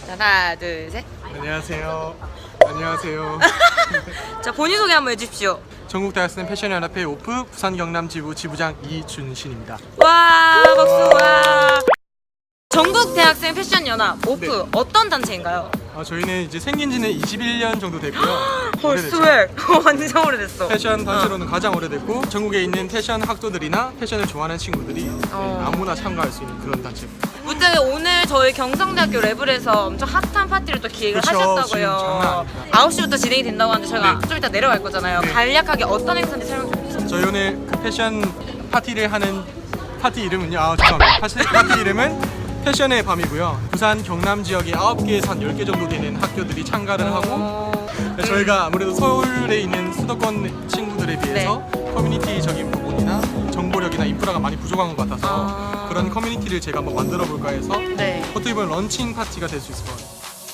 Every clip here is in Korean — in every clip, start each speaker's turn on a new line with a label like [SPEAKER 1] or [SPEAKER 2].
[SPEAKER 1] 하나, 둘, 셋.
[SPEAKER 2] 안녕하세요. 안녕하세요.
[SPEAKER 1] 자, 본인 소개 한번 해주십시오.
[SPEAKER 2] 전국대학생 패션연합회 오프 부산 경남 지부 지부장 이준신입니다.
[SPEAKER 1] 와, 박수. 와. 전국 대학생 패션 연합 오프
[SPEAKER 2] 네.
[SPEAKER 1] 어떤 단체인가요?
[SPEAKER 2] 저희는 이제 생긴 지는 21년 정도 됐고요.
[SPEAKER 1] 헐, 스웩. 완전 오래됐어.
[SPEAKER 2] 패션 단체로는 가장 오래됐고 전국에 있는 패션 학도들이나 패션을 좋아하는 친구들이 아무나 참가할 수 있는 그런 단체입니다.
[SPEAKER 1] 무튼 오늘 저희 경성대학교 레블에서 엄청 핫한 파티를 또 기획을
[SPEAKER 2] 그쵸, 지금 장난
[SPEAKER 1] 하셨다고요.
[SPEAKER 2] 아닙니다.
[SPEAKER 1] 9시부터 진행이 된다고 하는데 저희가
[SPEAKER 2] 네.
[SPEAKER 1] 좀 이따 내려갈 거잖아요.
[SPEAKER 2] 네.
[SPEAKER 1] 간략하게 어떤 행사인지 설명 좀 해주세요.
[SPEAKER 2] 저희 오늘 그 패션 파티를 하는 파티 이름은요. 죄송합니다. 파티 이름은 패션의 밤이고요. 부산 경남 지역에 9개에서 한 10개 정도 되는 학교들이 참가를 하고 저희가 아무래도 서울에 있는 수도권 친구들에 비해서 커뮤니티적인 부분이나 정보력이나 인프라가 많이 부족한 것 같아서 그런 커뮤니티를 제가 한번 만들어 볼까 해서 어떻게 보면 런칭 파티가 될 수 있을 것 같아요.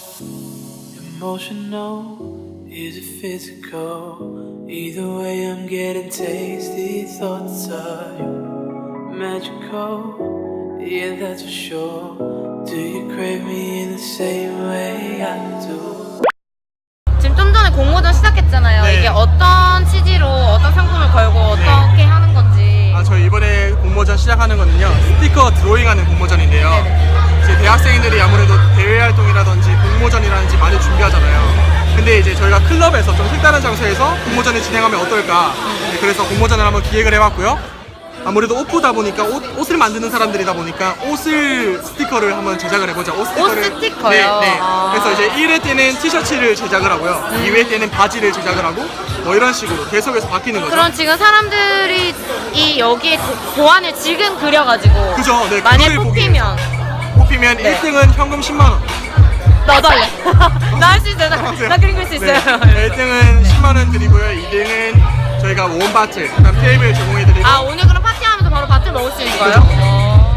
[SPEAKER 3] Emotional, is it physical? Either way I'm getting tasty thoughts are you magical? Yeah, that's for sure. Do you crave me in the same way I do?
[SPEAKER 1] 지금 좀 전에 공모전 시작했잖아요.
[SPEAKER 2] 네.
[SPEAKER 1] 이게 어떤 취지로 어떤 상품을 걸고 어떻게 하는 건지.
[SPEAKER 2] 저희 이번에 공모전 시작하는 거는요. 스티커 드로잉하는 공모전인데요. 이제 대학생들이 아무래도 대외 활동이라든지 공모전이라든지 많이 준비하잖아요. 근데 이제 저희가 클럽에서 좀 색다른 장소에서 공모전을 진행하면 어떨까. 그래서 공모전을 한번 기획을 해봤고요. 아무래도 오프다 보니까 옷을 만드는 사람들이다 보니까 옷을 스티커를 한번 제작을 해보자. 옷
[SPEAKER 1] 스티커요?
[SPEAKER 2] 네. 그래서 이제 1회 때는 티셔츠를 제작을 하고요. 2회 때는 바지를 제작을 하고 뭐 이런 식으로 계속해서 바뀌는 거죠.
[SPEAKER 1] 그럼 지금 사람들이 이 여기에 도안을 지금 그려가지고
[SPEAKER 2] 그죠? 네,
[SPEAKER 1] 만약에
[SPEAKER 2] 그걸 보기
[SPEAKER 1] 뽑히면
[SPEAKER 2] 네. 1등은 현금 10만 원.
[SPEAKER 1] 나도 할래. 나 할 수 있어요. 나 그림 그릴 수 있어요.
[SPEAKER 2] 네. 1등은 10만 원 드리고요. 2등은 저희가 원-바틀, 그다음 테이블 제공해드리고.
[SPEAKER 1] 오늘 그럼 파티하면서 바로 바틀 먹을 수 있는 거예요?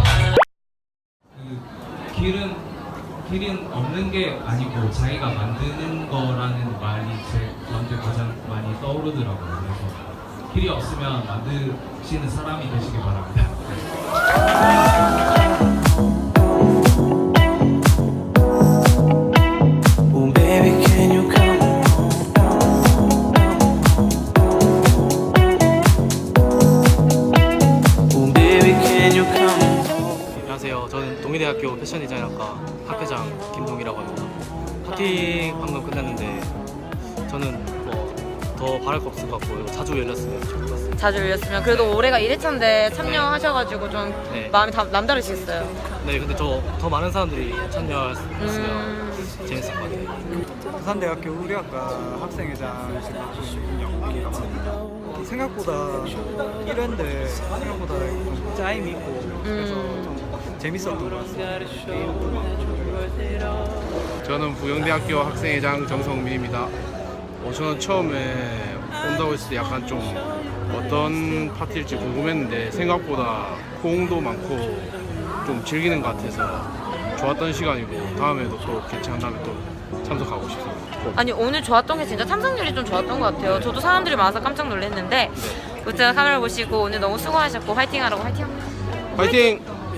[SPEAKER 4] 길은 없는 게 아니고 자기가 만드는 거라는 말이 저한테 가장 많이 떠오르더라고요. 그래서 길이 없으면 만드시는 사람이 되시길 바랍니다.
[SPEAKER 3] Oh baby, can you come home? Oh baby, can you come home?
[SPEAKER 5] 안녕하세요. 저는 동의대학교 패션 디자인학과 학회장 김동이라고 합니다. 파티 방금 끝났는데 저는 뭐 더 바랄 거 없을 것 같고 자주 열렸으면 좋을 것 같습니다.
[SPEAKER 1] 자주 열렸으면 그래도 올해가 1회차인데 참여하셔가지고 좀
[SPEAKER 5] 네.
[SPEAKER 1] 마음이 남다르시겠어요?
[SPEAKER 5] 네, 근데 더 많은 사람들이 참여할 수 있으면 재밌을 것 같아요.
[SPEAKER 6] 부산대학교 의류학과 학생회장실 맡고 있는 영국이라고 합니다. 생각보다 1회인데 생각보다 좀 짜임이 있고 그래서 좀 재밌었던 것 같습니다.
[SPEAKER 7] 저는 부영대학교 학생회장 정성민입니다. 저는 처음에 온다고 했을 때 약간 좀 어떤 파티일지 궁금했는데 생각보다 호응도 많고 좀 즐기는 것 같아서 좋았던 시간이고 다음에도 또 괜찮다면 또 참석하고 싶습니다.
[SPEAKER 1] 아니 오늘 좋았던 게 진짜 참석률이 좀 좋았던 것 같아요. 저도 사람들이 많아서 깜짝 놀랐는데 무튼 카메라 보시고 오늘 너무 수고하셨고 화이팅하라고 화이팅!
[SPEAKER 7] 파이팅!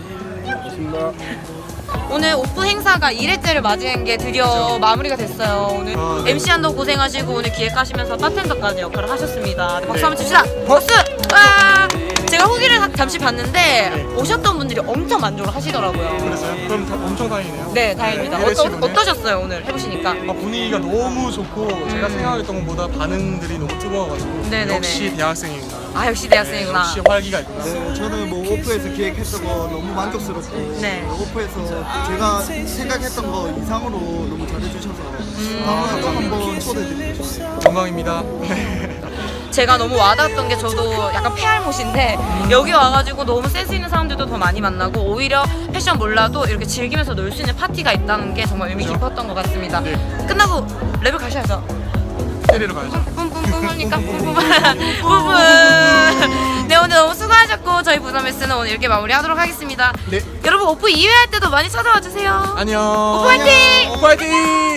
[SPEAKER 1] 오늘 오프 행사가 1회째를 맞이한 게 드디어 마무리가 됐어요. 오늘
[SPEAKER 2] 네.
[SPEAKER 1] MC 한도 고생하시고 오늘 기획하시면서 바텐더까지 역할을 하셨습니다. 네, 박수 한번 칩시다. 박수! 와! 제가 후기를 잠시 봤는데 오셨던 분들이 엄청 만족을 하시더라고요.
[SPEAKER 2] 그랬어요? 그럼 엄청 다행이네요.
[SPEAKER 1] 네, 다행입니다. 어떠셨어요 오늘 해보시니까?
[SPEAKER 2] 분위기가 너무 좋고 제가 생각했던 것보다 반응들이 너무 뜨거워가지고
[SPEAKER 1] 네네네.
[SPEAKER 2] 역시 대학생이구나.
[SPEAKER 1] 역시 대학생이구나.
[SPEAKER 2] 역시 활기가 있구나.
[SPEAKER 6] 네, 저는 뭐 오프에서 기획했던 거 너무 만족스럽고
[SPEAKER 1] 네.
[SPEAKER 6] 오프에서 제가 생각했던 거 이상으로 너무 잘해주셔서 다음에 또 한번 초대드리고 싶어요.
[SPEAKER 2] 영광입니다.
[SPEAKER 1] 제가 너무 와닿았던 게 저도 약간 폐알못인데 여기 와가지고 너무 센스 있는 사람들도 더 많이 만나고 오히려 패션 몰라도 이렇게 즐기면서 놀 수 있는 파티가 있다는 게 정말 의미 깊었던 것 같습니다. 끝나고 레벨 가셔야죠.
[SPEAKER 2] 때리러 가야죠.
[SPEAKER 1] 뿜뿜뿜하니까 뿜뿜. 네, 오늘 너무 수고하셨고 저희 부산 메스는 오늘 이렇게 마무리하도록 하겠습니다.
[SPEAKER 2] 네.
[SPEAKER 1] 여러분 오프 2회 할 때도 많이 찾아와 주세요.
[SPEAKER 2] 안녕.
[SPEAKER 1] 오프 화이팅!
[SPEAKER 2] 오프 화이팅!